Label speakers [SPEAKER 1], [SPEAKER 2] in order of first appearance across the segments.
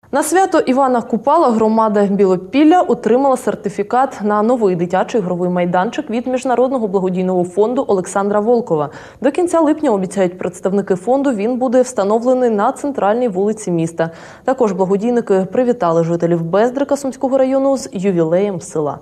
[SPEAKER 1] На свято Івана Купала громада Білопілля отримала сертифікат на новий дитячий ігровий майданчик від Міжнародного благодійного фонду Олександра Волкова. До кінця липня, обіцяють представники фонду, він буде встановлений на центральній вулиці міста. Також благодійники привітали жителів Бездрика Сумського району з ювілеєм села.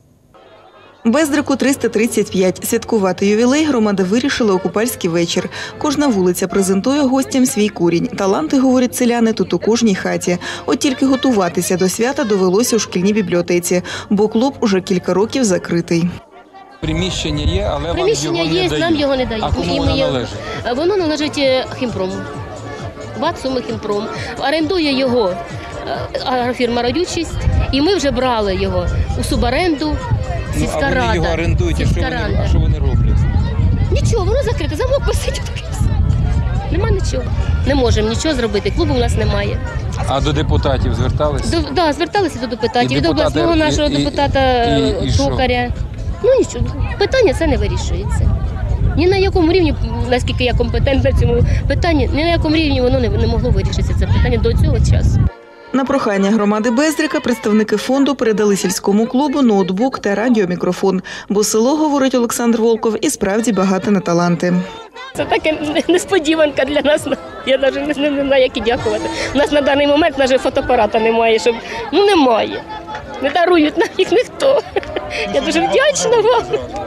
[SPEAKER 2] Бездрику 335. Святкувати ювілей громада вирішила у Купальський вечір. Кожна вулиця презентує гостям свій курінь. Таланти, говорять селяни, тут у кожній хаті. От тільки готуватися до свята довелося у шкільній бібліотеці, бо клуб уже кілька років закритий.
[SPEAKER 3] Приміщення є, але
[SPEAKER 4] приміщення
[SPEAKER 3] вам його не дають.
[SPEAKER 4] Нам його не дають.
[SPEAKER 3] А кому воно належить?
[SPEAKER 4] Воно належить Хімпрому. ВАТ «Суми Хімпром». Орендує його агрофірма «Родючість», і ми вже брали його у суборенду. Сільська рада.
[SPEAKER 3] А вони його орендують, а що вони роблять?
[SPEAKER 4] Нічого, воно закрите, замок висить. Нема нічого. Не можемо нічого зробити, клубу у нас немає.
[SPEAKER 3] А до депутатів зверталися?
[SPEAKER 4] Так, зверталися до депутатів, до обласного нашого депутата Токаря. Ну нічого, питання це не вирішується. Ні на якому рівні, наскільки я компетентна в цьому питанні, ні на якому рівні воно не могло вирішитися, це питання до цього часу.
[SPEAKER 2] На прохання громади Бездрика представники фонду передали сільському клубу ноутбук та радіомікрофон, бо село, говорить Олександр Волков, і справді багате на таланти.
[SPEAKER 4] Це така несподіванка для нас, я навіть не знаю, як і дякувати. У нас на даний момент навіть фотоапарата немає, щоб, немає. Не дарують нам їх ніхто. Я дуже вдячна вам.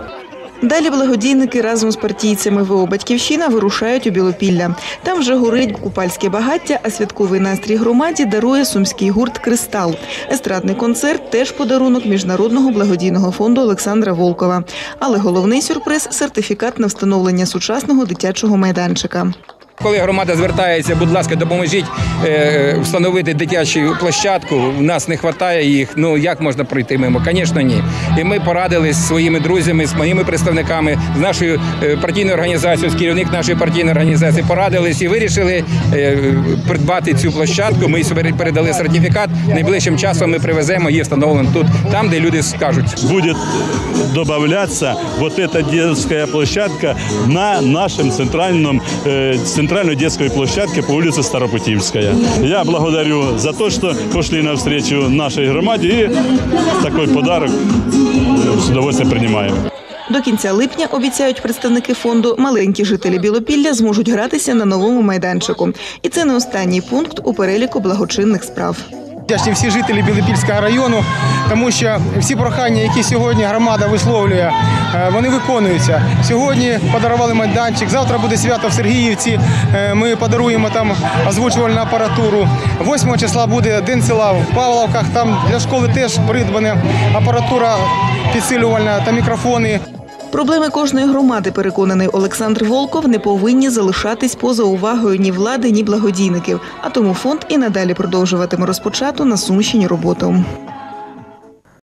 [SPEAKER 2] Далі благодійники разом з партійцями ВО «Батьківщина» вирушають у Білопілля. Там вже горить купальське багаття, а святковий настрій громаді дарує сумський гурт «Кристал». Естрадний концерт – теж подарунок Міжнародного благодійного фонду Олександра Волкова. Але головний сюрприз – сертифікат на встановлення сучасного дитячого майданчика.
[SPEAKER 3] Коли громада звертається, будь ласка, допоможіть встановити дитячу площадку, у нас не вистачає їх, як можна пройти мимо? Звісно, ні. І ми порадились зі своїми друзями, з моїми представниками, з нашою партійною організацією, з керівник нашої партійної організації, порадились і вирішили придбати цю площадку. Ми собі передали сертифікат, найближчим часом ми привеземо її встановлено тут, там, де люди скажуть.
[SPEAKER 5] Буде додаватися вот эта детская площадка на нашем центральной детской площадке по улице Старопутивская. Я благодарю за то, что пошли навстречу нашей громаде, и такой подарок с удовольствием принимаем.
[SPEAKER 2] До кінця липня, обіцяють представники фонду, маленькі жителі Білопілля зможуть гратися на новому майданчику. І це не останній пункт у переліку благочинних справ.
[SPEAKER 6] Вдячні всі жителі Білопільського району, тому що всі прохання, які сьогодні громада висловлює, вони виконуються. Сьогодні подарували майданчик, завтра буде свято в Сергіївці, ми подаруємо там озвучувальну апаратуру. 8 числа буде День села в Павловках, там для школи теж придбана апаратура підсилювальна та мікрофони.
[SPEAKER 2] Проблеми кожної громади, переконаний Олександр Волков, не повинні залишатись поза увагою ні влади, ні благодійників. А тому фонд і надалі продовжуватиме розпочату на Сумщині роботу.